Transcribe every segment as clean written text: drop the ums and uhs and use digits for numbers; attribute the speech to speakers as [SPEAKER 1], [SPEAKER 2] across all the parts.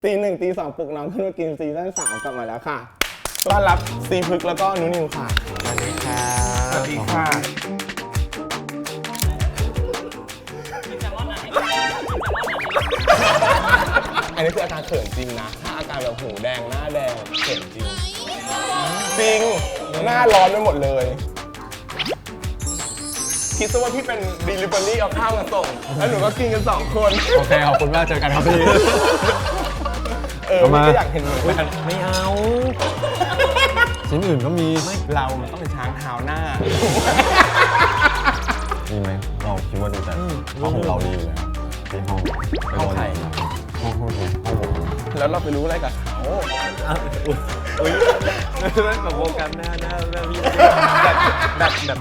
[SPEAKER 1] ตีหนึ่งตีสองปลุกน้องขึ้นมากินซีซั่น3กลับมาแล้วค่ะต้อนรับซีพึกแล้วก็นุนิวค่ะ
[SPEAKER 2] สวัสดีค่ะ
[SPEAKER 1] สวัสดีค่ะอันนี้คืออาการเขินจริงนะถ้าอาการแบบหูแดงหน้าแดงเขินจริงจริงหน้าร้อนไปหมดเลยคิดซะว่าพี่เป็น delivery เอาข้าวมาส่งแล้วหนูก็กินกัน2 คน
[SPEAKER 2] โอเคขอบคุณมากเจอกันครับพี่
[SPEAKER 1] พี่ก็อยากเห็นเหมือนกัน
[SPEAKER 2] ไม่เอาชิ้นอื่นก็มี
[SPEAKER 1] เรามันต้องเป็นช้างเท้าหน้า
[SPEAKER 2] มีไหมเราคิดว่าดีแต่ห้องของเราดีอยู่แล้วที่ห้องใครห้องผม
[SPEAKER 1] แล้วเราไปรู้อะไรกับเขา
[SPEAKER 2] อุ้ยแบบโวกันหน้าพี่แบบ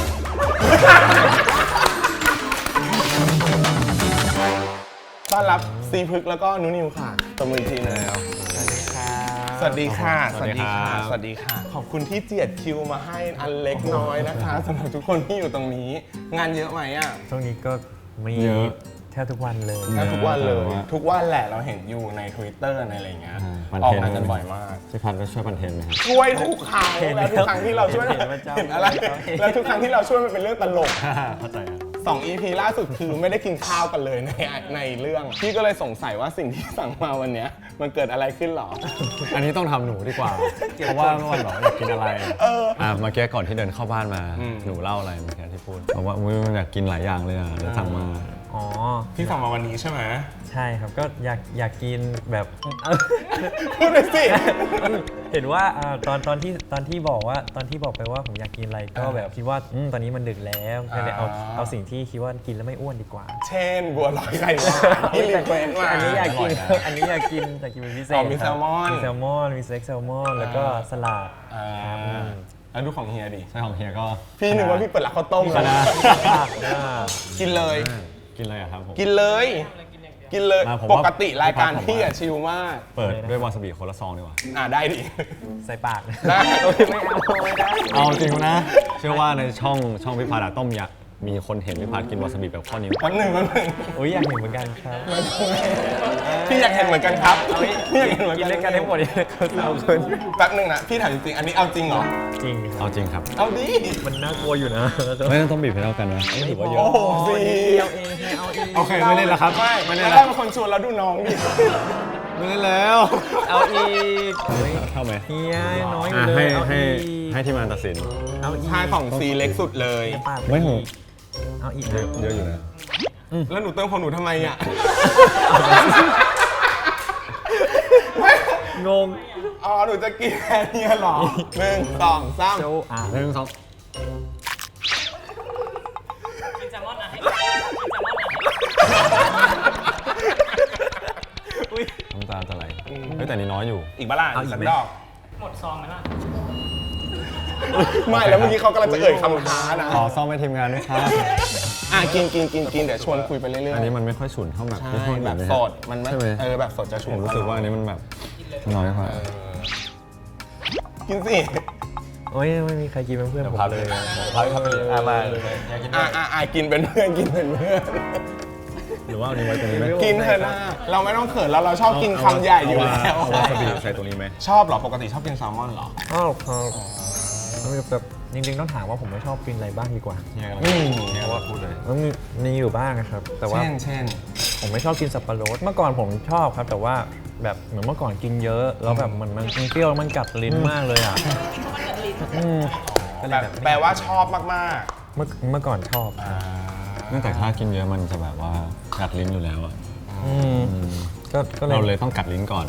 [SPEAKER 1] ต้อนรับซีพึกแล้วก็นุนิวค่ะตบมือทีนึงสวัสดีค่ะสวัสดีค่ะสวัสดีค่ะขอบคุณที่เจียดคิวมาให้อันเล็กน้อยนะคะสำหรับทุกคนที่อยู่ตรงนี้งานเยอะไหมอ่ะ
[SPEAKER 2] ช่วงนี้ก็มีแทบทุกวันเลย
[SPEAKER 1] แทบทุกวันเลยทุกวันแหละเราเห็นอยู่ใน Twitter ในอะไรเงี้ยออกงานกันบ่อยมาก
[SPEAKER 2] พี่พันก็ช่วยคอนเทนต์ไหมครับ
[SPEAKER 1] ช่วยทุกครั้งแล้วทุกครั้งที่เราช่วยเห็นอะไรแล้วทุกครั้งที่เราช่วยมันเป็นเรื่องตลก
[SPEAKER 2] เข้าใจ
[SPEAKER 1] 2 EP ล่าสุดคือไม่ได้กินข้าวกันเลยในเรื่องพี่ก็เลยสงสัยว่าสิ่งที่สั่งมาวันนี้มันเกิดอะไรขึ้นหรอ
[SPEAKER 2] อันนี้ต้องทำหนูดีกว่าเพราะว่าเมื่อวันบอกอยากกินอะไรเมื่อกี้ก่อนที่เดินเข้าบ้านมาหนูเล่าอะไรเมื่อกี้ที่พูดบอกว่ามันอยากกินหลายอย่างเลยอ่ะเลยสั่งมา
[SPEAKER 1] อ๋อพี่สั่งมาวันนี้ใช่ไหม
[SPEAKER 2] ใช่ครับก็อยากกินแบบ
[SPEAKER 1] พูดเลยสิ
[SPEAKER 2] เห็นว่าตอนที่บอกไปว่าผมอยากกินอะไรก็แบบคิดว่าตอนนี้มันดึกแล้วก็เลยเอาสิ่งที่คิดว่ากินแล้วไม่อ้วนดีกว่า
[SPEAKER 1] เช่นบัวลอยไข่หวานที่รีเควสมา
[SPEAKER 2] อันนี้อยากกินเป็นพิเศษ
[SPEAKER 1] มีแซลมอน
[SPEAKER 2] มีสเต็กแซลมอนแล้วก็สลัด
[SPEAKER 1] แล้วดูของเฮียดิ
[SPEAKER 2] ใช่ของเฮียก็
[SPEAKER 1] พี่นึกว่าพี่เปิดร้านข้าวต้มเลยกินเลย
[SPEAKER 2] กินอะไรครับผม
[SPEAKER 1] กินเลยปกติรายการพี่อะชิลมาก
[SPEAKER 2] เปิดด้วยวาซาบิคนละซองดีกว่า
[SPEAKER 1] ได้ดิ
[SPEAKER 2] ใส่ปาก
[SPEAKER 1] ได้
[SPEAKER 2] ไม่ได้เอาจริงนะเชื่อว่าในช่องพิพาดาต้มยำมีคนเห็นพิพาดกินวาซาบิแบบข้อนิ้ว
[SPEAKER 1] วันหนึ่ง
[SPEAKER 2] อยากเห็นเหมือนกันครับ
[SPEAKER 1] พี่อยากเห็นเหมือนกันครับพี่อยากเห็นเหมือน
[SPEAKER 2] กัน
[SPEAKER 1] เล่น
[SPEAKER 2] กันทั้งหมดเลยเอาเกิน
[SPEAKER 1] แป๊บนึงนะพี่ถามจริงอันนี้เอาจริงเหรอ
[SPEAKER 2] จริงเอาจริงครับ
[SPEAKER 1] เอาดิ
[SPEAKER 2] มันน่ากลัวอยู่นะไม่ต้องบีบให้เท่ากันนะไม่ถือว่าเยอะ
[SPEAKER 1] โอ้โหสิ
[SPEAKER 2] โอเคไม่เล่นแล้วครับ
[SPEAKER 1] ไม่เล่นแล้วเป็นคนชวนแล้วดูน้องดิ
[SPEAKER 2] ไม่เล่นแล้วเอาอีกเท่าไหมเฮียน้อยอยู่เลยให้ทีมงานตัดสิน
[SPEAKER 1] เอาชายของซีเล็กสุดเลย
[SPEAKER 2] ไม่ถูกเอาอีกเยอะอยู่นะ
[SPEAKER 1] แล้วหนูเติมของหนูทำไมอ่ะ
[SPEAKER 2] งง
[SPEAKER 1] หนูจะกินแค่นี้หรอ1 2 3
[SPEAKER 2] 1 2
[SPEAKER 3] กินแซลมอนนะให้
[SPEAKER 2] น้ำตาจะไหลแต่นี่น้อยอยู่
[SPEAKER 1] อีกบ้าล่ะสักดอก
[SPEAKER 3] หมดซองไหมล่ะ
[SPEAKER 1] ไม่แล้วเมื่อกี้เขากำลังจะเอ่ยคำท้านะ
[SPEAKER 2] ขอซ่อมให้ทีมงานด้วยครับ
[SPEAKER 1] กินเดี๋ยวชวนคุยไปเรื่อยๆ
[SPEAKER 2] อันนี้มันไม่ค่อยฉุนเท่าแบบ
[SPEAKER 1] แบบสดมันไม่แบบสดจะฉุน
[SPEAKER 2] รู้สึกว่าอันนี้มันแบบน้อยกว่า
[SPEAKER 1] กินสิ
[SPEAKER 2] โอ้ยไม่มีใครกินเป็นเพื่อนผมเลย
[SPEAKER 1] พักครับมากินเป็นเพื่อน
[SPEAKER 2] หรือว่าอันนี้ไว้ตรงนี้ไหม
[SPEAKER 1] กินเถอะนะเราไม่ต้องเขินเราชอบกินคำใหญ่อยู่แล้ว
[SPEAKER 2] วาซาบิใส่ตรงนี้ไหม
[SPEAKER 1] ชอบหรอปกติชอบกินแซลมอนหรอ
[SPEAKER 2] แบบจริงๆต้องถามว่าผมไม่ชอบกินอะไรบ้างดีกว่า
[SPEAKER 1] เนี่ยว่าพูดเลย
[SPEAKER 2] มีอยู่บ้างนะครับแต่ว่า
[SPEAKER 1] เช่น
[SPEAKER 2] ผมไม่ชอบกินสับปะรดเมื่อก่อนผมชอบครับแต่ว่าแบบเหมือนเมื่อก่อนกินเยอะแล้วแบบมันเปรี้ยวมันกัดลิ้นมากเลยอ่ะ
[SPEAKER 1] แปลว่าชอบมาก
[SPEAKER 2] ๆเมื่อก่อนชอบเนื่องจากถ้ากินเยอะมันจะแบบว่ากัดลิ้นอยู่แล้วอ่ะก็เราเลยต้องกัดลิ้นก่อน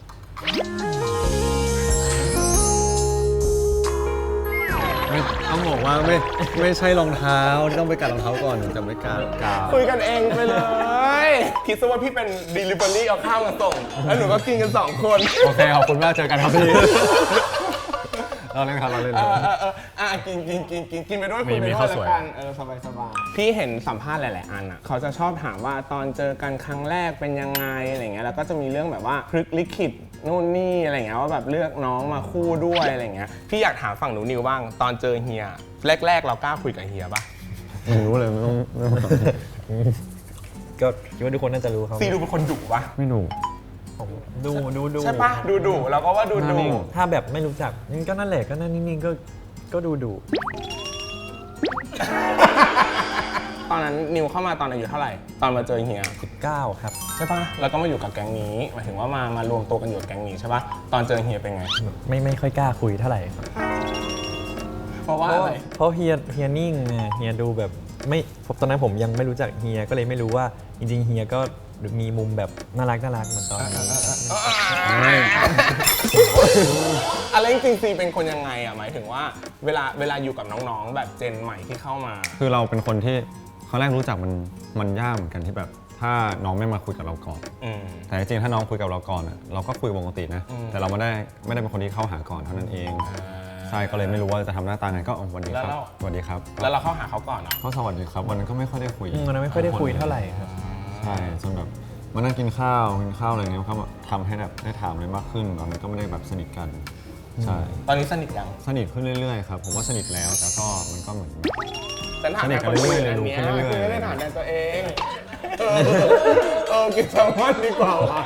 [SPEAKER 2] ต้องบอกว่าไม่ใช่รองเท้าที่ต้องไปกัดรองเท้าก่อนจะไม่กล้า
[SPEAKER 1] คุยกันเองไปเลยคิดซะว่าพี่เป็น delivery เอาข้าวมาส่งแล้วหนูก็กินกัน2 คน
[SPEAKER 2] โอเคขอบคุณมากเจอกันครับพี่เราเล่นครับเราเล่น
[SPEAKER 1] กินไปด้วยคุยไปด้วยแล้วกันสบายพี่เห็นสัมภาษณ์หลายๆอันอ่ะเขาจะชอบถามว่าตอนเจอกันครั้งแรกเป็นยังไงอะไรเงี้ยแล้วก็จะมีเรื่องแบบว่าพลิกลิขิตนู่นนี่อะไรเงี้ยว่าแบบเลือกน้องมาคู่ด้วยอะไรเงี้ยพี่อยากถามฝั่งหนูนิวบ้างตอนเจอเฮียแรกเรากล้าคุยกับเฮียป่ะ
[SPEAKER 2] ไม่รู้เลยไม่ต้องก็คิดว่าทุกคนน่าจะรู้ครับ
[SPEAKER 1] ซีดูเป็นคนดุป่ะ
[SPEAKER 2] ไม่ดุ
[SPEAKER 4] ผมดู
[SPEAKER 1] ใช่ปะดูเราก็ว่าดู
[SPEAKER 4] ถ้าแบบไม่รู้จักก็นั่นแหละก็นั่นนิ่งๆก็ดู
[SPEAKER 1] ตอนนั้นนิวเข้ามาตอนอายุเท่าไหร่ตอนมาเจอเฮีย
[SPEAKER 4] 19ครับ
[SPEAKER 1] ใช่ปะแล้วก็มาอยู่กับแก๊งนี้หมายถึงว่ามารวมตัวกันอยู่กับแก๊งนี้ใช่ปะตอนเจอเฮียเป็นไง
[SPEAKER 4] ไม่ค่อยกล้าคุยเท่าไหร่ครับ
[SPEAKER 1] เพราะว่าอะไร
[SPEAKER 4] เพราะเฮียนิ่งไงเฮียดูแบบไม่ตอนนั้นผมยังไม่รู้จักเฮียก็เลยไม่รู้ว่าจริงๆเฮียก็มีมุมแบบน่ารักเหมือนตอนนี้
[SPEAKER 1] อะไรจริงๆซีเป็นคนยังไงอ่ะหมายถึงว่าเวลาอยู่กับน้องๆแบบเจนใหม่ที่เข้ามา
[SPEAKER 2] คือเราเป็นคนที่ครั้งแรกรู้จักมันยากเหมือนกันที่แบบถ้าน้องไม่มาคุยกับเราก่อน แต่จริงๆถ้าน้องคุยกับเราก่อนเราก็คุยปกตินะแต่เราไม่ได้เป็นคนที่เข้าหาก่อนเท่านั้นเองใช่ก็เลยไม่รู้ว่าจะทำหน้าตาไงก็สวัสดีครับสวัสดีครับ
[SPEAKER 1] แล้วเราเข้าหาเขาก่อนเหรอ
[SPEAKER 2] เขาสวัสดีครับวันนั้นก็ไม่ค่อยได้คุย
[SPEAKER 4] วันนั้นไม่ค่อยได้คุยเท่าไหร่ครับ
[SPEAKER 2] ใช่จนแบบมานั่งกินข้าวอะไรเงี้ยเขาทำให้แบบได้ถามอะไรมากขึ้นตอนนั้นก็ไม่ได้แบบสนิทกันใช่
[SPEAKER 1] ตอนนี้สนิทยัง
[SPEAKER 2] สนิทขึ้นเรื่อยๆครับผมว่าสนิทแล้วแต่ก็มันก็เหมือน
[SPEAKER 1] ฉันถาม
[SPEAKER 2] สนิทกันเรื่อยๆเลยรู้ขึ้นเรื่อยๆ
[SPEAKER 1] คือไม่ได้ถามแต่ตัวเองกินแซลมอนดีกว่าวะ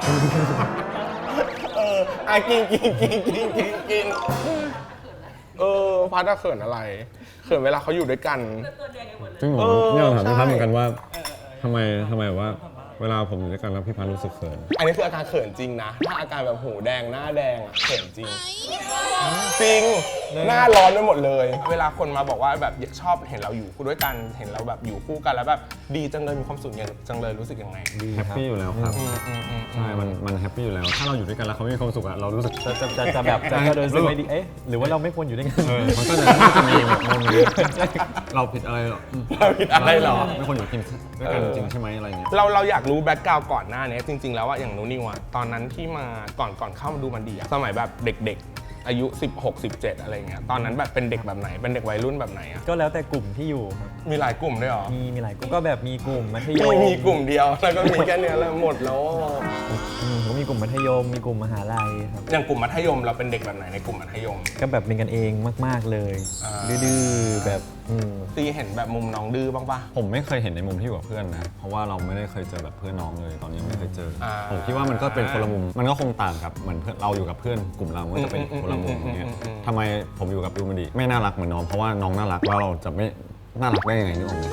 [SPEAKER 1] กินพัดเขินอะไรเขินเวลาเขาอยู่ด้วยกัน
[SPEAKER 2] จริงเหรอเนี่ยถามพี่พัฒน์เหมือนกันว่าทำไมว่าเวลาผมอยู่ด้วยกันแล้วพี่พัฒน์รู้สึกเขิน
[SPEAKER 1] อันนี้คืออาการเขินจริงนะถ้าอาการแบบหูแดงหน้าแดงอะเขินจริงจริงหน้าร้อนไปหมดเลย เวลาคนมาบอกว่าแบบชอบเห็นเราอยู่คู่ด้วยกันเห็นเราแบบอยู่คู่กันแล้วแบบดีจังเลยมีความสุขจังเลยรู้สึกยังไง
[SPEAKER 2] แฮปปี้อยู่แล้วครับใช่มันแฮปปี้อยู่แล้วถ้าเราอยู่ด้วยกันแล้วเขาไม่มีความสุขอะเรารู้สึก
[SPEAKER 4] จะแบบจะรู้สึกไม่ดีหรือว่าเราไม่ควรอยู่ด้วยกัน
[SPEAKER 2] มันก็จะมีแบบมุมนี้เราผิดอะไรหรอ
[SPEAKER 1] เราผิดอะไรหรอ
[SPEAKER 2] ไม่ควรอยู่กินด้วยกันจริงใช่ไหมอะไรเงี้ย
[SPEAKER 1] เราอยากรู้แบ็คกราวด์ก่อนหน้านี้จริง ๆ แล้วอะอย่างนูนิวอะตอนนั้นที่มาก่อนเข้ามาดูมันดีอะสมัยแบบเด็กๆอายุ 16 17 อะไรเงี้ยตอนนั้นแบบเป็นเด็กแบบไหนเป็นเด็กวัยรุ่นแบบไหนอะ
[SPEAKER 4] ก็แล้วแต่กลุ่มที่อยู่ครับ
[SPEAKER 1] มีหลายกลุ่มด้วยเหรอ
[SPEAKER 4] มีหลายกลุ่มก็แบบมีกลุ่มมัธยม
[SPEAKER 1] มีกลุ่มเดียวแล้วก็มีแค่เนี้ยแล้วหมดแล้ว
[SPEAKER 4] ก็มีกลุ่มมัธยมมีกลุ่มมหาลัยครับ
[SPEAKER 1] อย่างกลุ่มมัธยมเราเป็นเด็กแบบไหนในกลุ่มมัธยม
[SPEAKER 4] ก็แบบเป็นกันเองมากๆเลย ดื้อๆแบบ
[SPEAKER 1] ตีเห็นแบบมุมน้องดื้อบ้างปะ
[SPEAKER 2] ผมไม่เคยเห็นในมุมที่อยู่กับเพื่อนนะเพราะว่าเราไม่ได้เคยเจอแบบเพื่อนน้องเลยตอนนี้ไม่เคยเจอผมคิดว่ามันก็เป็นคนละมุมมันก็คงต่างกับเหมือนเพื่อนเราอยู่กับเพื่อนกลุ่มเราก็จะเป็นคนละมุมอย่างเงี้ยทำไมผมอยู่กับยูมันดีไม่น่ารักเหมือนน้องเพราะว่าน้องน่ารักแล้วเราจะไม่น่ารักได้ยังไงนึกออกไหม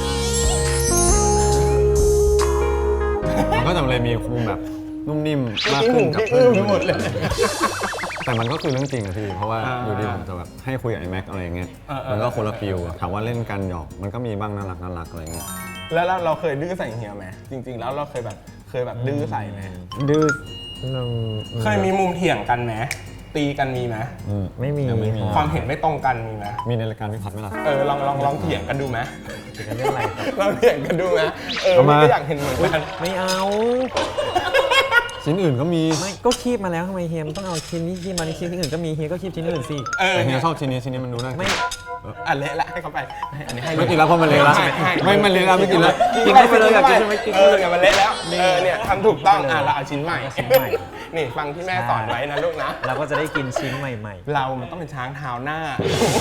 [SPEAKER 2] มันก็จะเลยมีมุมแบบนุ่มนิ่มมากขึ้นกับเพื่อน
[SPEAKER 1] หมดเลย
[SPEAKER 2] แต่มันก็คือเรื่องจริงนะพี่เพราะว่าอยู่ดีผมจะแบบให้คุยกับไอ้แม็กอะไรเงี้ยมันก็คนละฟิลถามว่าเล่นกันหยอกมันก็มีบ้างน่ารักอะไรเงี้ย
[SPEAKER 1] แล้วเราเคยดื้อใส่เฮียไหมจริง ๆ แล้วเราเคยแบบดื้อใส่ไหม
[SPEAKER 4] ดื้อ
[SPEAKER 1] เคยมีมุมเถียงกันไหมตีกันมีไหม
[SPEAKER 4] ไม่มี
[SPEAKER 2] ยังไม่มี
[SPEAKER 1] ความเห็นไม่ตรงกันมีไหม
[SPEAKER 2] มีในรายการพี่พัดไหมล่ะ
[SPEAKER 1] ลองเถียงกันดูไหม
[SPEAKER 4] กันเรื่องอะไรครับ
[SPEAKER 1] ลองเถียงกันดูไหม
[SPEAKER 2] เอามา
[SPEAKER 1] พี่ก็อยากเห็นเหมือนกัน
[SPEAKER 4] ไม่เอา
[SPEAKER 2] ชิ้นอื่นก็มี
[SPEAKER 4] ไม่ก็คีบมาแล้วทำไมเฮียมต้องเอาชิ้นนี้คีบมาในชิ้นอื่นก็มีเฮียก็คีบชิ้นอื่นสิ
[SPEAKER 2] แต่เฮียชอบชิ้นนี้มันดูน่ากิน
[SPEAKER 4] ไม่
[SPEAKER 1] อันเละละให้เขาไปอันนี้ให้
[SPEAKER 2] ไม่กินแล้วเพราะมันเละแล้ว
[SPEAKER 1] ให้
[SPEAKER 2] ไม่มันเละแล้วไม่กินแล้ว
[SPEAKER 4] กินไปเลยอยากกินใช่ไหมกินไปเลย
[SPEAKER 1] เนี่ยมันเละแล้วเนี่ยทำถูกต้องเราเอาชิ้นใหม่
[SPEAKER 4] ชิ้นใหม่
[SPEAKER 1] นี่ฟังที่แม่สอนไว้นะลูกนะ
[SPEAKER 4] เราก็จะได้กินชิ้นใหม่
[SPEAKER 1] เรามันต้องเป็นช้างเท้าหน้า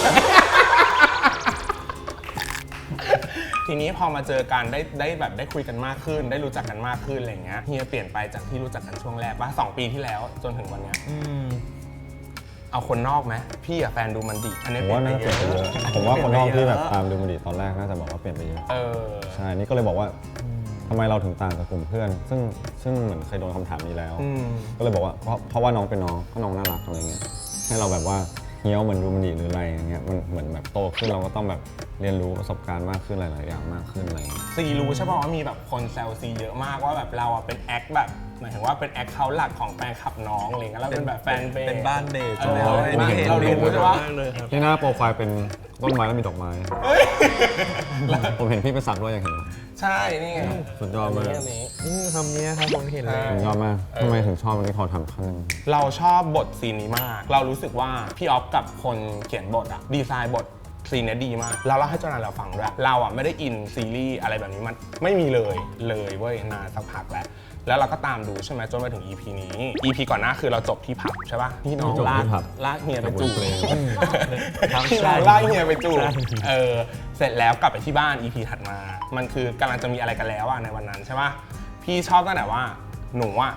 [SPEAKER 1] ทีนี้พอมาเจอกันได้แบบได้คุยกันมากขึ้น ได้รู้จักกันมากขึ้นอะไรเงี้ยเฮียเปลี่ยนไปจากที่รู้จักกันช่วงแรกว่า2 ปีที่แล้วจนถึงวันเนี้ย เอาคนนอกไหมพี่อะแฟนดูมันดีอันนี้
[SPEAKER 2] ผมว่าน่าจะเปลี่ยนไปเยอะผมว่าคนนอกที่แบบตามดูมันดีตอนแรกน่าจะบอกว่าเปลี่ยนไปเยอะใช่นี่ก็เลยบอกว่าทำไมเราถึงต่างกับกลุ่มเพื่อน ซึ่งเหมือนเคยโดนคำถามนี้แล้ว ก็เลยบอกว่าเพราะว่าน้องเป็นน้องก็น้องน่ารักอะไรเงี้ยให้เราแบบว่าเฮี้ยวเหมือนดูมันดีหรืออะไรอย่างเงี้ยมันเหมือนแบบโตขึ้นเราก็ต้องแบบเรียนรู้ประสบการณ์มากขึ้นหลายๆอย่างมากขึ้นอะไรเงี้ย
[SPEAKER 1] ซีรู้ใช่ป่ะว่ามีแบบคนแซวซีเยอะมากว่าแบบเราอะเป็นแอคแบบหมายถึงว่าเป็นแอคเคาท์หลักของแฟนคลับน้องอะไรเงี้ยแล้วเป็นแบบแฟนเบส
[SPEAKER 4] เป็นบ้านเบส
[SPEAKER 1] เรารู้ใช่ปะ
[SPEAKER 2] ที่หน้าโปรไฟล์เป็นต้นไม้แล้วมีดอกไม้ ผมเห็นพี่ไปสักด้วยยังเห็นไหม
[SPEAKER 1] ใช่นี่ไง
[SPEAKER 2] สุดยอดมาก
[SPEAKER 1] อันนี้
[SPEAKER 4] คำนี้ครับผมเห็นเลย
[SPEAKER 2] สุดยอดมากทำไมถึงชอบวันนี้ขอถามครั้งนึง
[SPEAKER 1] เราชอบบทซีนนี้มาก เรารู้สึกว่าพี่ออฟกับคนเขียนบทอะดีไซน์บทซีนเนี้ยดีมากแล้วเราให้เจ้านายเราฟังด้วยเราอะไม่ได้อินซีรีส์อะไรแบบนี้มันไม่มีเลยเว้ยนานสักพักแล้วเราก็ตามดูใช่ไหมจนมาถึง EP นี้ EP ก่อนหน้าคือเราจบที่ผับใช่ป่ะที่น้องลากเฮียไปจูบที่น้องลากเฮียไปจูบเสร็จแล้วกลับไปที่บ้าน EP ถัดมา มันคือกำลังจะมีอะไรกันแล้วอะในวันนั้นใช่ป่ะพี่ชอบตั้งแต่ว่าหนูอะ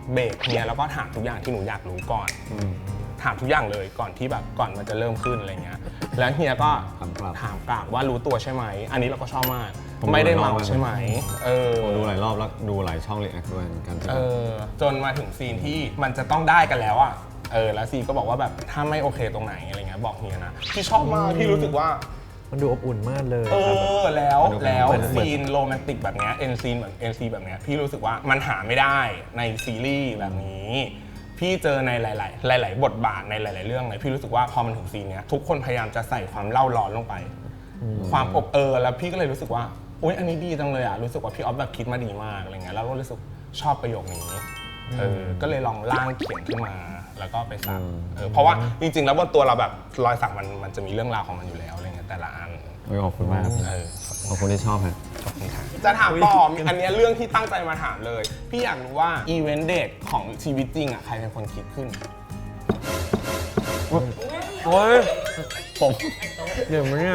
[SPEAKER 1] เบรกเฮียแล้วก็ถามทุกอย่างที่หนูอยากรู้ก่อนถามทุกอย่างเลยก่อนที่แบบก่อนมันจะเริ่มขึ้นอะไรเงี้ยแล้วเฮียก็ถามกลับว่ารู้ตัวใช่ไหมอันนี้เราก็ชอบมากไม่ได้เมาใช่ไหม
[SPEAKER 2] ผมดูหลายรอบแล้วดูหลายช่องรีแอคด้วยเหมือนกัน
[SPEAKER 1] จนมาถึงซีนที่มันจะต้องได้กันแล้วอ่ะแล้วซีก็บอกว่าแบบถ้าไม่โอเคตรงไหนอะไรเงี้ยบอกเฮียนะพี่ชอบมากพี่รู้สึกว่า
[SPEAKER 4] มันดูอบอุ่นมากเลย
[SPEAKER 1] แล้วซีนโรแมนติกแบบเนี้ยเอ็นซีนเหมือนเอ็นซีแบบเนี้ยพี่รู้สึกว่ามันหาไม่ได้ในซีรีส์แบบนี้พี่เจอในหลายบทบาทในหลายๆเรื่องเลยพี่รู้สึกว่าพอมันถึงซีนเนี้ยทุกคนพยายามจะใส่ความเล่าร้อนลงไปความอบแล้วพี่ก็เลยรู้สึกว่าอุ๊ยอันนี้ดีจังเลยอ่ะรู้สึกว่าพี่ออฟแบบคิดมาดีมากอะไรเงี้ยแล้วก็รู้สึกชอบประโยคนี้ก็เลยลองร่างเขียนขึ้นมาแล้วก็ไปสักเพราะว่าจริงๆแล้วบนตัวเราแบบรอยสักมันจะมีเรื่องราวของมันอยู่แล้วอะไรเงี้ยแต่ละอัน
[SPEAKER 2] ขอบคุณมากขอบคุณที่ชอบครับ
[SPEAKER 1] จะถามต่ออันนี้เรื่องที่ตั้งใจมาถามเลยพี่อยากรู้ว่าอีเวนต์เดทของชีวิตจริงอ่ะใครเป็นคนคิดขึ้น
[SPEAKER 4] โอ้ยผมเดี๋ยวเนี่ย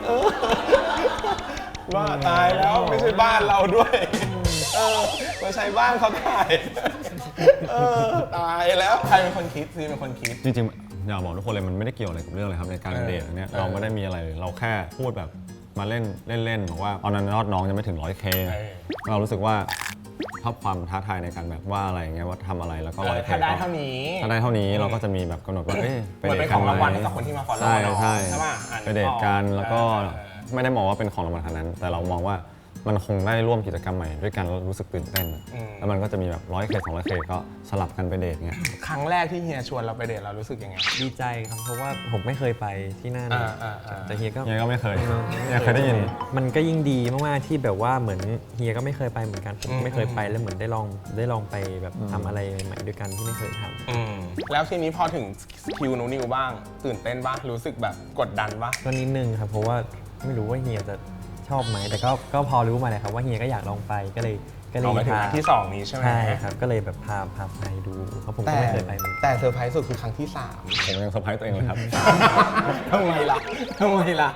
[SPEAKER 1] ว่าตายแล้วไม่ใช่บ้านเราด้วยไม่ใช่บ้านเขาถ่ายตายแล้วใครเป็นคนคิดซีเป็นคนคิด
[SPEAKER 2] จริงๆอยากบอกทุกคนเลยมันไม่ได้เกี่ยวอะไรกับเรื่องเลยครับในการเดทอันนี้เราไม่ได้มีอะไรเราแค่พูดแบบมาเล่นบอกว่าตอนนั้นยอดน้องยังไม่ถึง 100K เรารู้สึกว่าชอบความท้าทายในการแบบว่าอะไรอย่างเงี้ยว่าทำอะไรแล้วก็ 100K
[SPEAKER 1] ถ้าได้เท่านี้
[SPEAKER 2] เราก็จะมีแบบกำหนดว่า
[SPEAKER 1] ไปเดทกันไหมกับคนที่มาฟอลโล่
[SPEAKER 2] ใช่ไปเดทกันแล้วก็ไม่ได้มองว่าเป็นของรางวัลขนาดนั้นแต่เรามองว่ามันคงได้ร่วมกิจกรรมใหม่ด้วยกันแล้วรู้สึกตื่นเต้นแล้วมันก็จะมีแบบ 100K 200K ก็สลับกันไปเดทเงี้ย
[SPEAKER 1] ครั้งแรกที่เฮียชวนเราไปเดทเรารู้สึกยังไง
[SPEAKER 4] ดีใจครับเพราะว่าผมไม่เคยไปที่นั่นแต่เฮียก็
[SPEAKER 2] ไม่เคยได้ยิน
[SPEAKER 4] มันก็ยิ่งดีมากๆที่แบบว่าเหมือนเฮียก็ไม่เคยไปเหมือนกันผมไม่เคยไปแล้วเหมือนได้ลองไปแบบทำอะไรใหม่ๆด้วยกันที่ไม่เคยท
[SPEAKER 1] ำแล้วทีนี้พอถึงคิวนิวบ้างตื่นเต้นบ้างรู้สึกแบบกดดันบ้าง
[SPEAKER 4] ก็นิดนึงครับเพราะว่าไม่รู้ว่าเฮียจะชอบไหมแต่ก็พอรู้มาเลยครับว่าเฮียก็อยากลองไปก็เลย
[SPEAKER 1] พาที่2นี้ใช่ไหม
[SPEAKER 4] ใช่ครับก็เลยแบบพาไปดูเพราะผมก็ไม่เคยไป
[SPEAKER 1] แต่เซอร์ไพรส์สุดคือครั้งที่3
[SPEAKER 2] ผมยังเซอร์ไพรส์ตัวเองเลยครับ
[SPEAKER 1] ทำไมล่ะ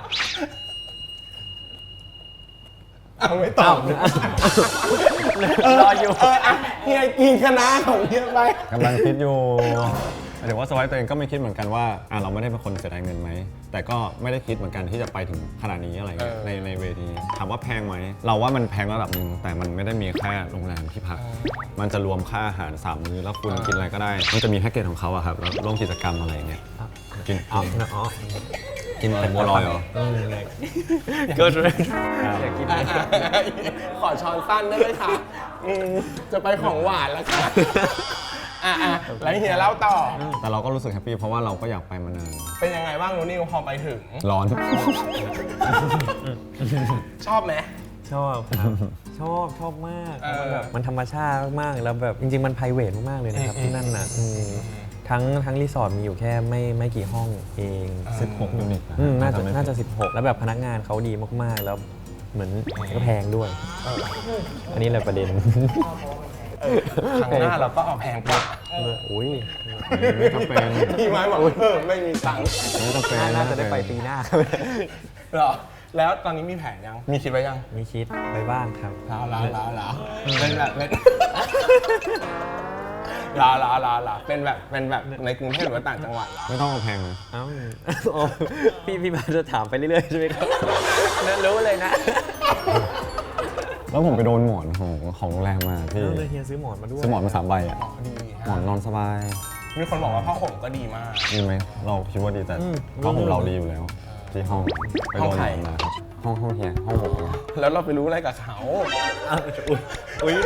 [SPEAKER 1] ไม่ตอบ
[SPEAKER 4] รออยู่
[SPEAKER 1] เฮียกินคณะของเฮียไป
[SPEAKER 2] กำลังคิดอยู่ถือว่าสไวต์ตัวเองก็ไม่คิดเหมือนกันว่าเราไม่ได้เป็นคนเสียดายเงินไหมแต่ก็ไม่ได้คิดเหมือนกันที่จะไปถึงขนาดนี้อะไรเงี้ยในเวทีถามว่าแพงไหมเราว่ามันแพงระดับหนึ่งแต่มันไม่ได้มีแค่โรงแรมที่พักมันจะรวมค่าอาหาร3 มื้อแล้วคุณกินอะไรก็ได้มันจะมีแพ็กเกจของเขาอะครับแล้วร่วมกิจกรรมอะไรเงี้ยกินอะไรบัวลอยเหรอ
[SPEAKER 4] ก็เลย
[SPEAKER 1] อยากกินขอช้อนสั้นได้ไหมคะจะไปของหวานแล้วค่ะแล้วเฮียเล่าต่อ
[SPEAKER 2] แต่เราก็รู้สึกแฮปปี้เพราะว่าเราก็อยากไปมานาน
[SPEAKER 1] เป็นยังไงบ้างนูนิวพอไปถึง
[SPEAKER 2] ร้อน
[SPEAKER 1] ชอบไหม
[SPEAKER 4] ชอบครับชอบมากแบบมันธรรมชาติมากแล้วแบบจริงๆมันไพรเวทมากๆเลยนะครับที่นั่นน่ะทั้งรีสอร์ทมีอยู่แค่ไม่กี่ห้องเอง
[SPEAKER 2] 16 ยูนิต
[SPEAKER 4] น่าจะ16แล้วแบบพนักงานเขาดีมากๆแล้วเหมือนก็แพงด้วยอันนี้แหละประเด็น
[SPEAKER 1] ครั้งหน้าเราก็เอาแพงกว่า
[SPEAKER 4] อุ้ย
[SPEAKER 2] ไม่จำเป็น
[SPEAKER 1] พี่ไม้บอกไม่มีตังค์
[SPEAKER 2] ไม่จำเป็น
[SPEAKER 4] น่าจะได้ไปปีหน้า
[SPEAKER 1] หรอแล้วตอนนี้มีแผนยังมีคิดไว้ยัง
[SPEAKER 4] มีคิดไปบ้างครับ
[SPEAKER 1] ลาเป็นแบบเป็นแบบในกรุงเทพหรือว่าต่างจังหวัด
[SPEAKER 2] ไม่ต้องเอาแพงนะ
[SPEAKER 4] พี่มาจะถามไปเรื่อยๆใช่ไหมครับรู้เลยนะ
[SPEAKER 2] แล้วผมไปโดนหมอนของโรงแรมมาพี่
[SPEAKER 4] เลยเฮียซื้อหมอนมาด้วย
[SPEAKER 2] ซื้อหมอนมา3 ใบอ่ะหมอนนอนสบาย
[SPEAKER 1] มีคนบอกว่าผ้าห่มก็ดีมาก
[SPEAKER 2] ดีไหมเราคิดว่าดีแต่ผ้าห่มเราดีอยู่แล้วที่ห้องไปโดนหมอนมาห้องเฮียห้องผม
[SPEAKER 1] แล้วเราไปรู้อะไรกับเขา
[SPEAKER 4] อุ้ย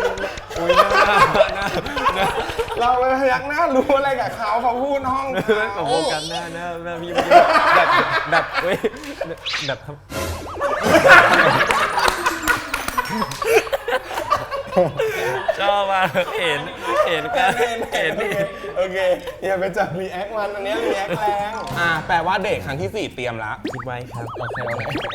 [SPEAKER 1] เราไปพยักหน้ารู้อะไรกับเขาพูดห้อง
[SPEAKER 4] กับโบกันหน้าพี่แบบชอบมากเห็นนี่
[SPEAKER 1] โอเคอย่าไปจับรีแอคมันอันนี้รีแอคแรงแปลว่าเดทครั้งที่4เตรียมละ
[SPEAKER 4] คิดไว้ครับ
[SPEAKER 1] โอเค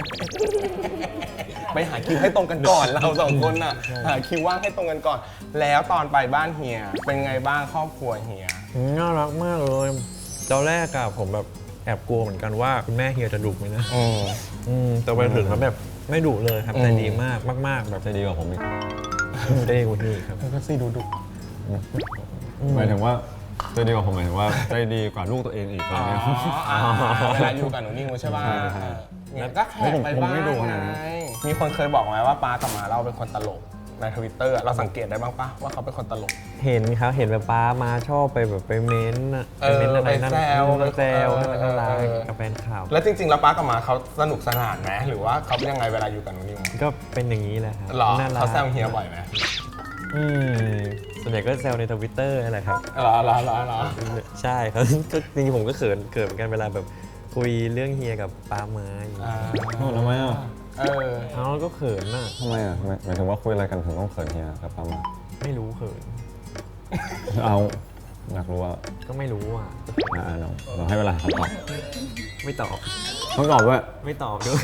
[SPEAKER 1] ไปหาคิวให้ตรงกันก่อนเรา2 คนน่ะหาคิวว่างให้ตรงกันก่อนแล้วตอนไปบ้านเฮียเป็นไงบ้างครอบครัวเฮีย
[SPEAKER 4] น่ารักมากเลยตอนแรกอะผมแบบแอบกลัวเหมือนกันว่าคุณแม่เฮียจะดุไหมนะแต่ไปถึงแล้วแบบไม่ดุเลยครับใจดีมากแบบ
[SPEAKER 2] ใจดีกว่าผมอีก
[SPEAKER 4] ได้กว่านี้ครับ
[SPEAKER 1] ก็ซีดุ
[SPEAKER 2] หมายถึงว่าใจดีกว่าผมหมายถึงว่าใจดีกว่าลูกตัวเองอีกอะไรเงี้ย
[SPEAKER 1] เวลาอยู่กับหนูนิวใช่ป่ะ
[SPEAKER 2] ใช่
[SPEAKER 1] เนี่ยก็แขกไปบ้าง
[SPEAKER 2] ผมไม่ดูนะ
[SPEAKER 1] ไงมีคนเคยบอกไหมว่าป้ากับหมาเราเป็นคนตลกในทวิตเตอร์เราสังเกตได้บ้างปะว่าเขาเป็นคนตลก
[SPEAKER 4] เห็นครับเห็นแบบป้ามาชอบไปแบบไปเม้นต์อะ
[SPEAKER 1] เออ
[SPEAKER 4] ไปเม้นต์อะไรนั่น
[SPEAKER 1] ไปแซว
[SPEAKER 4] แซว
[SPEAKER 1] เออ
[SPEAKER 4] น่ารัก
[SPEAKER 1] เออ
[SPEAKER 4] กับแฟนคลับ
[SPEAKER 1] แล้วจริงๆแล้วป้ากับหมาเขาสนุกสนานไหมหรือว่าเขาเป็นยังไงเวลาอยู่กับหนูนิว
[SPEAKER 4] ก็เป็นอย่างนี้แหละครับ
[SPEAKER 1] หรอ
[SPEAKER 4] น่ารัก
[SPEAKER 1] เขาแซวเฮียบ่อยไหม
[SPEAKER 4] ส่วนใหญ่ก็แซวในทวิตเตอร์นั่นแหละครับ
[SPEAKER 1] หรอ
[SPEAKER 4] ใช่ครับ ก็จริงๆผมก็เขินเหมือนกันเวลาแบบคุยเรื่องเฮียกับป้ามาอย่างงี้
[SPEAKER 2] โอ้ทำไมอ่ะ
[SPEAKER 4] เอาก็เขินน่ะ
[SPEAKER 2] ทำไมอ่ะหมายถึงว่าคุยอะไรกันถึงต้องเขินเฮียกับป้ามา
[SPEAKER 4] ไม่รู้เขิน
[SPEAKER 2] เอาอยากรู้ว่า
[SPEAKER 4] ก็ไม่รู้อ่ะ
[SPEAKER 2] เราให้เวลาคำตอบ
[SPEAKER 4] ไม่ตอบ
[SPEAKER 2] ต้องตอบด้วย
[SPEAKER 4] ไม่ตอบด้วย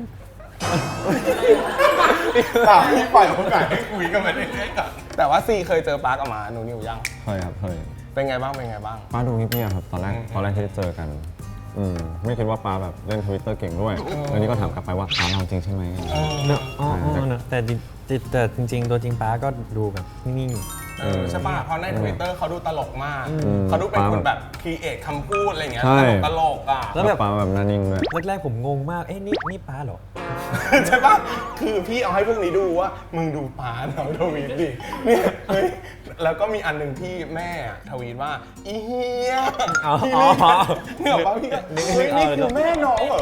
[SPEAKER 1] ถามพี่ปล่อยโอกาสให้คุยกันมาได้ไงก่อนแต่ว่าซีเคยเจอป้ากับหมาหนูนิวยัง
[SPEAKER 2] เคยครับเคย
[SPEAKER 1] เป็นไงบ้าง
[SPEAKER 2] ป้าดูเงียบๆครับตอนแรกที่เจอกันไม่คิดว่าป้าแบบเล่นทวิตเตอร์เก่งด้วยแล้วนี่ก็ถามกลับไปว่าป้าเราจริงใช่ไหม
[SPEAKER 4] เนอะอ๋อเนอะแต่จริงๆตัวจริงป้าก็ดูแบบนิ่ง
[SPEAKER 1] ใช่ป่ะเพราะใน Twitter เขาดูตลกมาก เขาดูเป็นคนแบบครีเอทคำพูดอะไรเงี้ย
[SPEAKER 2] ใช่
[SPEAKER 1] ตลกอ่ะ
[SPEAKER 4] แล้วแบบ
[SPEAKER 2] ป้าแบบหนานิ่งด้วย
[SPEAKER 4] ๆแรกๆผมงงมาก เอ๊ะนี่ป้าเหรอ
[SPEAKER 1] ใช่ป่ะคือพี่เอาให้พวกนี้ดูว่ามึงดูป้าเราทวีตดิเนี่ยเฮ้ยแล้วก็มีอันหนึ่งที่แม่ทวีตว่าอีเฮีย
[SPEAKER 4] อ๋อ
[SPEAKER 1] เนี่ยบอกว่าพี่เฮ้ยนี่คือแม่น้องเหรอ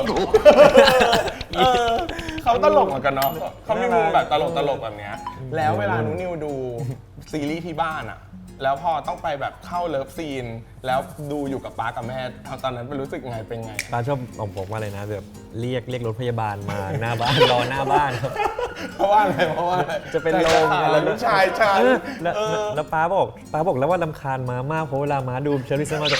[SPEAKER 1] เขาตลกเหมือนกันเนาะเขามีมุมแบบตลกแบบเนี้ยแล้วเวลาหนูนิวดูซีรีส์ที่บ้านอะแล้วพอต้องไปแบบเข้าเลิฟซีน แล้วดูอยู่กับป้ากับแม่ตอนนั้นเป็นรู้สึกไงเป็นไง
[SPEAKER 4] ป้าชอบบอกว่าอะไรนะแบบเรียกรถพยาบาลมาหน้าบ้าน รอหน้าบ้านครับ
[SPEAKER 1] เพราะว่าอะไร
[SPEAKER 4] จะเป็นลม
[SPEAKER 1] แล้วลูกชายฉัน
[SPEAKER 4] แล้วป้าบอกแล้วว่าลำคาญม้ามากเพราะเวลาม้าดูเชอรี่เซนมาจะ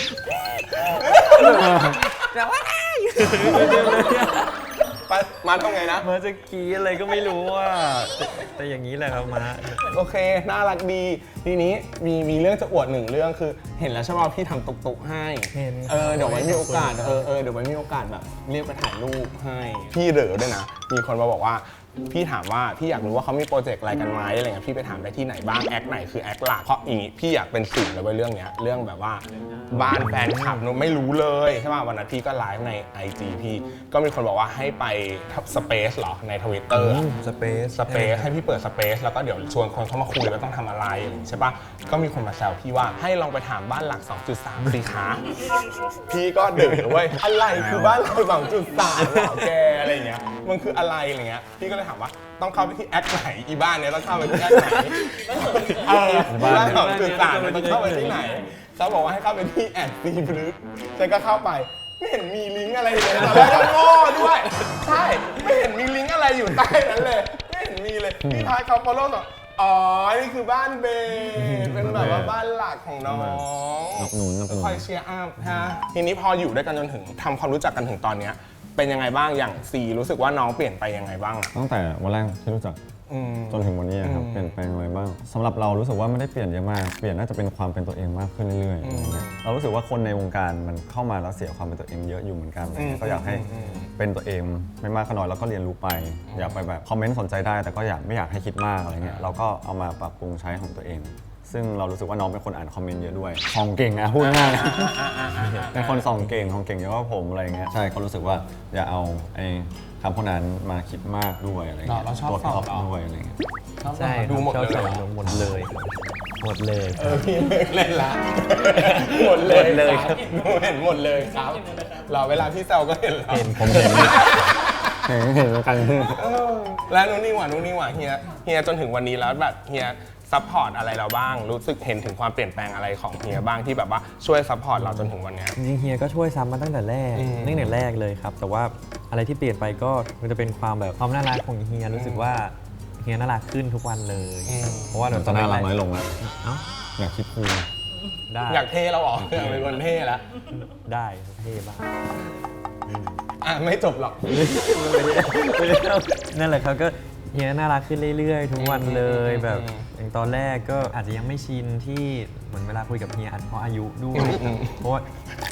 [SPEAKER 1] มาทำไงนะ
[SPEAKER 4] ม้าจะกรีดอะไรก็ไม่รู้ว่าแต่อย่างนี้แหละครับม้า
[SPEAKER 1] โอเค น่ารักดี ทีนี้มีเรื่องจะอวดหนึ่งเรื่องคือ เห็นแล้วใช่ไหมว่าพี่ทำตุกๆให้
[SPEAKER 4] เห็น
[SPEAKER 1] เดี๋ยวไว้มีโอกาส เดี๋ยวไว้มีโอกาสแบบเรียกไปถ่ายรูปให้ พี่เหลือด้วยนะ มีคนมาบอกว่า พี่ถามว่าพี่อยากรู้ว่าเขามีโปรเจกต์อะไรกันไหมอะไรเงี้ย พี่ไปถามได้ที่ไหนบ้าง แอคไหนคือแอคหลัก เพราะอย่างงี้พี่อยากเป็นสื่อเลยเว้ยเรื่องเนี้ย เรื่องแบบว่าบ้านแฟนคลับหนูไม่รู้เลยใช่ป่ะวันนั้นพี่ก็ไลฟ์ใน IG พี่ก็มีคนบอกว่าให้ไปสเปซเหรอใน Twitter
[SPEAKER 4] สเปซ
[SPEAKER 1] สเปซให้พี่เปิดสเปซแล้วก็เดี๋ยวชวนคนเข้ามาคุยว่าต้องทำอะไรอะไรอย่างงี้ใช่ปะก็มีคนมาแซวพี่ว่าให้ลองไปถามบ้านหลัก 2.3 สิคะพี่ก็เดือดเว้ยอะไรคือบ้านหลัก 2.3เหรอแกอะไรอย่างเงี้ยมันคืออะไรอะไรเงี้ยพี่ก็เลยถามว่าต้องเข้าไปที่แอคไหนอีบ้านเนี้ยต้องเข้าไปที่แอคไหนบ้าน 2.3เนี่ยต้องเข้าไปที่ไหนเขาบอกว่าให้เข้าไปที่แอดซีบลึกฉันก็เข้าไปไม่เห็นมีลิงก์อะไรเลยตอนแรกก็โง่ด้วยใช่ไม่เห็นมีลิงก์อะไรอยู่ใต้นั้นเลยไม่เห็นมีเลยพี่ทายเขาฟอลโล่ต่ออ๋อนี่คือบ้านเบย์เป็นแบบว่าบ้านหลักของน้อง
[SPEAKER 2] สนับสนุน
[SPEAKER 1] คอยเชียร์อัพฮะทีนี้พออยู่ด้วยกันจนถึงทำความรู้จักกันถึงตอนเนี้ยเป็นยังไงบ้างอย่างซีรู้สึกว่าน้องเปลี่ยนไปยังไงบ้างอะ
[SPEAKER 2] ตั้งแต่วันแรกที่รู้จักจนถึงวันนี้ครับเปลี่ยนแปลงอะไรบ้างสำหรับเรารู้สึกว่าไม่ได้เปลี่ยนเยอะมากเปลี่ยนน่าจะเป็นความเป็นตัวเองมากขึ้นเรื่อยๆอะไรเงี้ยเรารู้สึกว่าคนในวงการมันเข้ามาแล้วเสียความเป็นตัวเองเยอะอยู่เหมือนกันอะไรเงี้ยก็อยากให้เป็นตัวเองไม่มากก็น้อยแล้วก็เรียนรู้ไปอยากไปแบบคอมเมนต์สนใจได้แต่ก็ไม่อยากให้คิดมากอะไรเงี้ยเราก็เอามาปรับปรุงใช้ของตัวเอง ซึ่งเรารู้สึกว่าน้องเป็นคนอ่านคอมเมนต์เยอะด้วยส่องเก่งอะพูดง่ายๆเป็นคนส่องเก่งเยอะกว่าผมอะไรเงี้ยใช่ก็รู้สึกว่าอย่าเอาไอ้คำพวกนั้นมาคิดมากด้วยอะไรเงี้ย
[SPEAKER 1] เราชอบ
[SPEAKER 2] ตัว
[SPEAKER 1] ส่อง
[SPEAKER 2] ท็อปด้วยอะไรเงี้ย
[SPEAKER 4] ใช่
[SPEAKER 1] ดูหมด
[SPEAKER 4] ชอบ
[SPEAKER 1] เลย
[SPEAKER 4] ใส่
[SPEAKER 1] เหรอ
[SPEAKER 4] หมดเลยหมดเลย
[SPEAKER 1] พี่เลิกเล่นละหมดเลย
[SPEAKER 4] หมดเลยครับ
[SPEAKER 1] หนูเห็นหมดเลยครับเราเวลาพี่แซวก็เห็นแล้ว
[SPEAKER 2] ผมเห็นเห็นแล้วกัน
[SPEAKER 1] แล้วนู่นนี่หว่าเฮียจนถึงวันนี้แล้วแบบเฮียซัพพอร์ตอะไรเราบ้างรู้สึกเห็นถึงความเปลี่ยนแปลงอะไรของเฮียบ้างที่แบบว่าช่วยซัพพอร์ตเราจนถึงวันเนี้ย
[SPEAKER 4] จริงๆเฮียก็ช่วยซ้ำมาตั้งแต่แรกเลยครับ แต่ว่าอะไรที่เปลี่ยนไปก็มันจะเป็นความแบบความน่ารักของเฮียรู้สึกว่าเฮียน่ารักขึ้นทุกวันเลย เพราะว่า
[SPEAKER 2] เดี๋ยวจะน่ารักน้อยลงแล้ว
[SPEAKER 4] เอ้า
[SPEAKER 2] อยากคิดคูล
[SPEAKER 4] ได้
[SPEAKER 1] อยากเท่เราออกอยากเป็นคนเท่แล้ว
[SPEAKER 4] ได้เท่บ้าง
[SPEAKER 1] ไม่จบหรอก
[SPEAKER 4] ไม่ได้นั่นแหละครับก็เฮียน่ารักขึ้นเรื่อยๆ ทุกวันเลยแบบอย่างตอนแรกก็อาจจะยังไม่ชินที่เหมือนเวลาคุยกับเฮียเพราะอายุด้วยเพราะว่า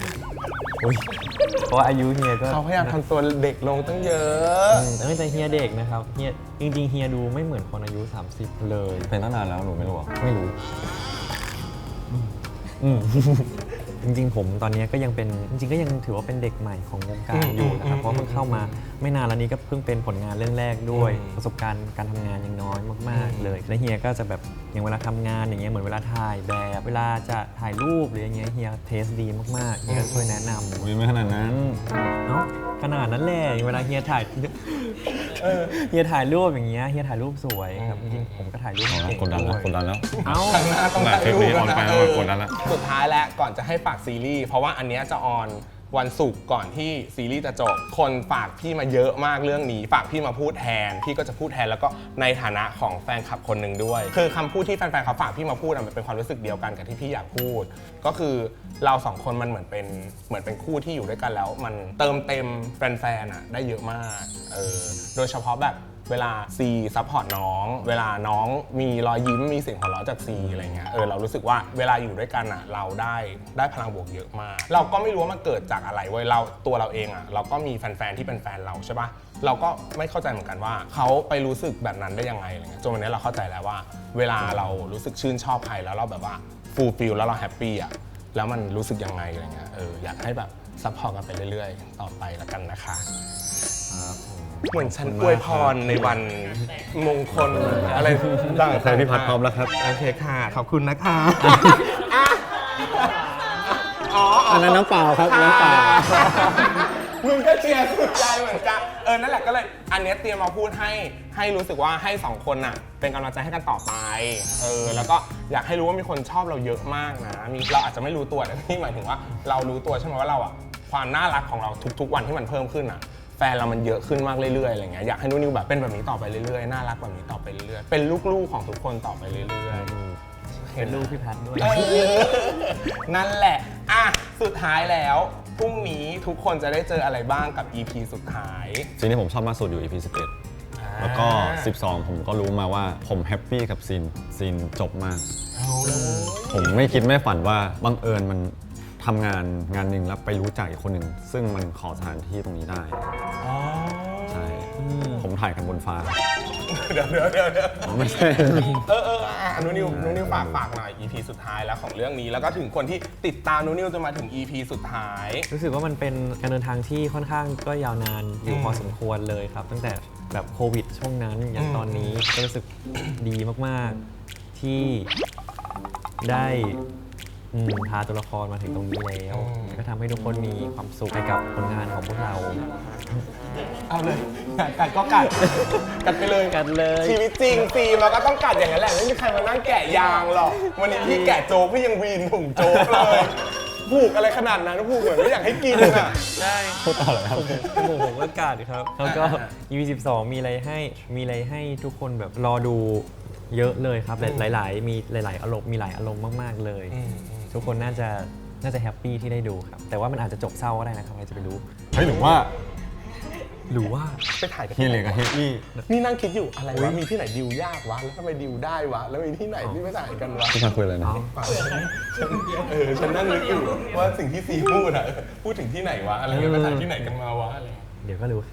[SPEAKER 4] เพราะว่าอายุเฮียก็
[SPEAKER 1] เขาพยายามทำตัวเด็กลงตั้งเยอะ
[SPEAKER 4] แต่ไม่ใช่เฮียเด็กนะครับเฮียจริงๆเฮียดูไม่เหมือนคนอายุ30เลย
[SPEAKER 2] เป็นตั้งนานแล้วหนูไม่รู้หรอ
[SPEAKER 4] ไม่รู้จริงๆผมตอนนี้ก็ยังเป็นจริงๆก็ยังถือว่าเป็นเด็กใหม่ของวงการอยู่นะครับเพราะเพิ่งเข้ามาไม่นานแล้วนี้ก็เพิ่งเป็นผลงานเรื่องแรกด้วยประสบการณ์การทำงานยังน้อยมากๆเลยและเฮียก็จะแบบอย่างเวลาทำงานอย่างเงี้ยเหมือนเวลาถ่ายแบบเวลาจะถ่ายรูปหรืออย่างเงี้ยเฮียเทสดีมากๆเฮียก็ช่วยแนะนำ
[SPEAKER 2] อุ้ยไม่ขนาดนั้น
[SPEAKER 4] เนาะขนาดนั้นแหละเวลาเฮียถ่ายเฮียถ่ายรูปอย่างเงี้ยเฮียถ่ายรูปสวยครับจริงๆผมก็ถ่ายรูป
[SPEAKER 2] เอาละ
[SPEAKER 4] เก่ง
[SPEAKER 2] กดดันแล้ว
[SPEAKER 4] ด้วย
[SPEAKER 2] กดดันแล้ว
[SPEAKER 4] เอ้า
[SPEAKER 1] ข้างหน้าต้อง
[SPEAKER 2] แบบ
[SPEAKER 1] ถ่ายรูป
[SPEAKER 2] คลิปนี้ออนไปแล้วกดดันแล้ว
[SPEAKER 1] สุดท้ายแล้วก่อนจะให้ฝากซีรีส์เพราะว่าอันเนี้ยจะออนวันศุกร์ก่อนที่ซีรีส์จะจบคนฝากพี่มาเยอะมากเรื่องนี้ฝากพี่มาพูดแทนพี่ก็จะพูดแทนแล้วก็ในฐานะของแฟนคลับคนหนึ่งด้วยคือคำพูดที่แฟนๆเขาฝากพี่มาพูดมันเป็นความรู้สึกเดียวกันกับที่พี่อยากพูดก็คือเราสองคนมันเหมือนเป็นคู่ที่อยู่ด้วยกันแล้วมันเติมเต็มแฟนๆได้เยอะมากโดยเฉพาะแบบเวลาซีซัพพอร์ตน้องเวลาน้องมีรอยยิ้มมีเสียงหัวเราะจากซีอะไรเงี้ยเรารู้สึกว่าเวลาอยู่ด้วยกันเราได้พลังบวกเยอะมากเราก็ไม่รู้ว่ามันเกิดจากอะไรเว้ยตัวเราเองเราก็มีแฟนๆที่เป็นแฟนเราใช่ปะเราก็ไม่เข้าใจเหมือนกันว่าเขาไปรู้สึกแบบนั้นได้ยังไงอะไรเงี้ยจนวันนี้เราเข้าใจแล้วว่าเวลาเรารู้สึกชื่นชอบใครแล้วเราแบบว่าฟูลฟิลแล้วเราแฮปปี้แล้วมันรู้สึกยังไงอะไรเงี้ยอยากให้แบบซัพพอร์ตกันไปเรื่อยๆต่อไปแล้วกันนะคะเหมือนฉันอวยพรในวันมงคลอะไรต่างๆ
[SPEAKER 2] ใครพี่พัดพร้อมแล้วครับ
[SPEAKER 1] โอเคค่ะขอบคุณนะคะ
[SPEAKER 2] อันนั้นน้ำเปล่าครับน้ำเปล่า
[SPEAKER 1] มึงก็เชียร์สุดใจเหมือนกันนั่นแหละก็เลยอันเนี้ยเตรียมมาพูดให้รู้สึกว่าให้สองคนน่ะเป็นกำลังใจให้กันต่อไปแล้วก็อยากให้รู้ว่ามีคนชอบเราเยอะมากนะเราอาจจะไม่รู้ตัวแต่ที่หมายถึงว่าเรารู้ตัวใช่ไหมว่าเราความน่ารักของเราทุกๆวันที่มันเพิ่มขึ้นแฟนเรามันเยอะขึ้นมากเรื่อยๆอะไรเงี้ยอยากให้นิวแบบเป็นแบบนี้ต่อไปเรื่อยๆน่ารักแบบนี้ต่อไปเรื่อยๆเป็นลูกๆของทุกคนต่อไปเรื่อยๆ
[SPEAKER 4] เป็นลูกพี่พัดด้วย
[SPEAKER 1] นั่นแหละสุดท้ายแล้วพรุ่งนี้ทุกคนจะได้เจออะไรบ้างกับ EP สุดท้าย
[SPEAKER 2] ซีนที่ผมชอบมากสุดอยู่ EP 11 แล้วก็ 12 ผมก็รู้มาว่าผมแฮปปี้กับซีนจบมาก ผมไม่คิดไม่ฝันว่าบังเอิญมันทำงานหนึ่งแล้วไปรู้จักอีกคนหนึ่งซึ่งมันขอสถานที่ตรงนี้ได้ใช่ผมถ่ายกันบนฟ้า
[SPEAKER 1] เดี๋ยว
[SPEAKER 2] ไม่ใช่
[SPEAKER 1] นูนิวฝากหน่อย EP สุดท้ายแล้วของเรื่องนี้แล้วก็ถึงคนที่ติดตามนูนิวจนมาถึง EP สุดท้าย
[SPEAKER 4] รู้สึกว่ามันเป็นการเดินทางที่ค่อนข้างก็ยาวนานอยู่พอสมควรเลยครับตั้งแต่แบบโควิดช่วงนั้นอย่างตอนนี้ก็รู้สึกดีมากๆที่ได้พาตัวละครมาถึงตรงนี้แล้วก็ทำให้ทุกคนมีความสุขไปกับผลงานของพวกเรา
[SPEAKER 1] เอาเลยกัดก็กัดไปเลย
[SPEAKER 4] กัดเลย
[SPEAKER 1] ชีวิตจริงซีมันก็ต้องกัดอย่างนั้นแหละไม่มีใครมานั่งแกะยางหรอกวันนี้พี่แกะโจ๊กพี่ยังวีนถุงโจ๊กเลยผูกอะไรขนาดนั้นผูกเหมือนไม่อยากให้กิน
[SPEAKER 4] ใช่
[SPEAKER 2] พูดต่อเลยครับ
[SPEAKER 4] ผมก็กัดครับแล้วก็ EP 12มีอะไรให้ทุกคนแบบรอดูเยอะเลยครับหลายอารมณ์มีหลายอารมณ์มากๆเลยทุกคนน่าจะแฮปปี้ที่ได้ดูครับแต่ว่ามันอาจจะจบเศร้าก็ได้นะครับใครจะไปรู้
[SPEAKER 2] เฮ้ยหรือว่า
[SPEAKER 1] ไปถ่ายกัน
[SPEAKER 2] เฮียเหลยกับเฮียอี้
[SPEAKER 1] นี่นั่งคิดอยู่อะไรวะมีที่ไหนดิวยากวะแล้วทำไมดิวได้วะแล้วมีที่ไหนที่ไม่ถ่ายกันวะ
[SPEAKER 2] พี่ชายคุยอะไรนะ
[SPEAKER 1] ฉันนั่งนึกอยู่ว่าสิ่งที่ซีพูดถึงที่ไหนวะอะไรเงี้ยไปถ่ายที่ไหนกันมาวะอะไร
[SPEAKER 4] เดี๋ยวก็รู้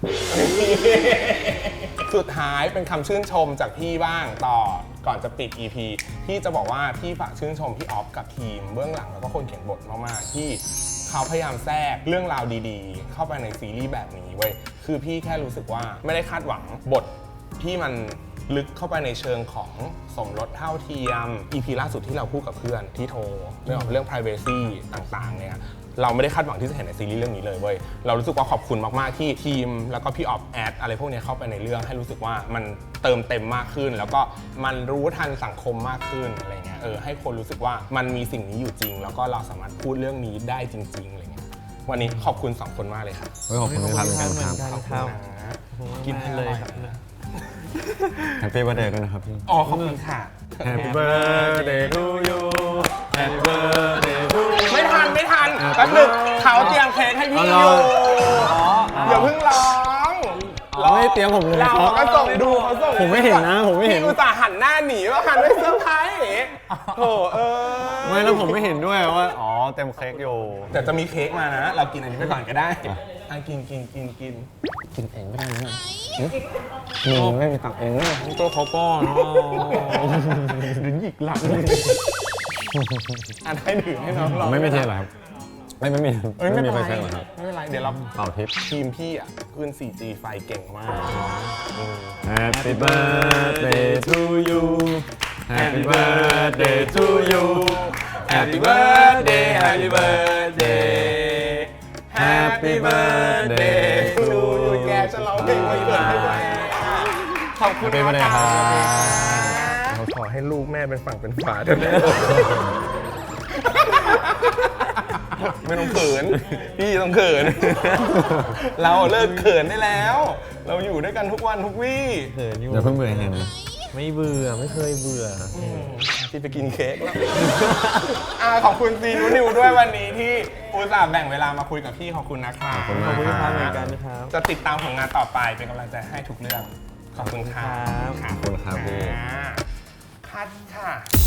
[SPEAKER 1] สุดท้ายเป็นคำชื่นชมจากพี่บ้างก่อนจะปิด EP พี่จะบอกว่าพี่ฝากชื่นชมพี่ออฟกับทีมเบื้องหลังแล้วก็คนเขียนบทมากๆที่เขาพยายามแทรกเรื่องราวดีๆเข้าไปในซีรีส์แบบนี้เว้ยคือพี่แค่รู้สึกว่าไม่ได้คาดหวังบทที่มันลึกเข้าไปในเชิงของสมรสเท่าเทียม EP ล่าสุดที่เราพูดกับเพื่อนที่โทรเรื่อง privacy ต่างๆเนี่ยเราไม่ได้คาดหวังที่จะเห็นในซีรีส์เรื่องนี้เลยเว้ยเรารู้สึกว่าขอบคุณมากๆที่ทีมแล้วก็พี่ออฟแอดอะไรพวกนี้เข้าไปในเรื่องให้รู้สึกว่ามันเติมเต็มมากขึ้นแล้วก็มันรู้ทันสังคมมากขึ้นอะไรเงี้ยให้คนรู้สึกว่ามันมีสิ่งนี้อยู่จริงแล้วก็เราสามารถพูดเรื่องนี้ได้จริงๆอะไรเงี้ยวันนี้ขอบคุณ2คนมากเลยครับ
[SPEAKER 2] ขอบคุณพี่พัดเหมือนกันครับ
[SPEAKER 4] ครับ
[SPEAKER 1] กินให้เลยครับ
[SPEAKER 2] แฮปปี้เบิร์ธเดย์ด้วยนะครับพี่
[SPEAKER 1] อ๋อขอบคุณค่ะ
[SPEAKER 2] Happy birthday to you Happy birthday to you
[SPEAKER 1] ไม่ทันแป๊บนึงเขาเตรียมเค้กให้พี่อยู่อย่าเพิ่งร้อง
[SPEAKER 2] ไม่เตรียมผมเลยครับ
[SPEAKER 1] เราก็ส่งดูเขาส่ง
[SPEAKER 2] ผมไม่เห็นนะผมไม่เห็น
[SPEAKER 1] พี่อุตส่าห์หันหน้าหนีว่าหันไปเซอร์ไพรส์โถ
[SPEAKER 2] ไม่แล้วผมไม่เห็นด้วยว่าอ๋อเต็มเค้กอยู่
[SPEAKER 1] แต่จะมีเค้กมานะเรากินอันนี้ไปก่อนก็ได้กินเองไม่ได้นะมึงไม่มีตังเองนะ
[SPEAKER 4] ตัวเขาป้อน
[SPEAKER 1] หรือหยิกหลังอันให้ดื่มให้น้องลอง
[SPEAKER 2] ไม่มีเทสเหรอครับไม่มี
[SPEAKER 1] เอ้ยไม่เป็น
[SPEAKER 2] ไฟ
[SPEAKER 1] ไร
[SPEAKER 2] แช็กเหรอครับ
[SPEAKER 1] ไม่เป็นไรเดี๋ยวเรา
[SPEAKER 2] เป่าทิป
[SPEAKER 1] ทีมพี่อ่ะขึ้น 4G ไฟเก่งมาก
[SPEAKER 2] Happy birthday to you Happy birthday to you Happy birthday Happy birthday Happy birthday to you
[SPEAKER 1] แกจะร้องเพลงวันเกิดให้ด้วยขอบคุณ
[SPEAKER 2] Happy birthday ครับ
[SPEAKER 1] เราขอให้ลูกแม่เป็นฝั่งเป็นฝาเถอะแม่ไม่ต้องเขิน พี่ต้องเขิน เราเลิกเขินได้แล้ว เราอยู่ด้วยกันทุกวันทุกวี่
[SPEAKER 4] เขินอยู่
[SPEAKER 2] เดี๋ยวเพิ่งเบื่อแฮนนะ
[SPEAKER 4] ไม่เบื่อไม่เคยเบื่อ
[SPEAKER 1] ที่ไปกินเค้กแล้ว ขอบคุณซีนูนิวด้วยวันนี้ที่อุตส่าห์แบ่งเวลามาคุยกับพี่ขอบคุณนะครับ
[SPEAKER 2] ขอบคุณ
[SPEAKER 4] ข
[SPEAKER 2] มา
[SPEAKER 4] อบ
[SPEAKER 2] ก
[SPEAKER 4] คุณ
[SPEAKER 2] ค
[SPEAKER 4] ค
[SPEAKER 2] รั
[SPEAKER 4] รับบ เหมือนกันนะครับ
[SPEAKER 1] จะติดตามผลงานต่อไปเป็นกำลังใจให้ทุกเรื่อง ขอบคุณครับ
[SPEAKER 4] ครับ
[SPEAKER 2] ขอบคุณครับพี่
[SPEAKER 1] คัดค่ะ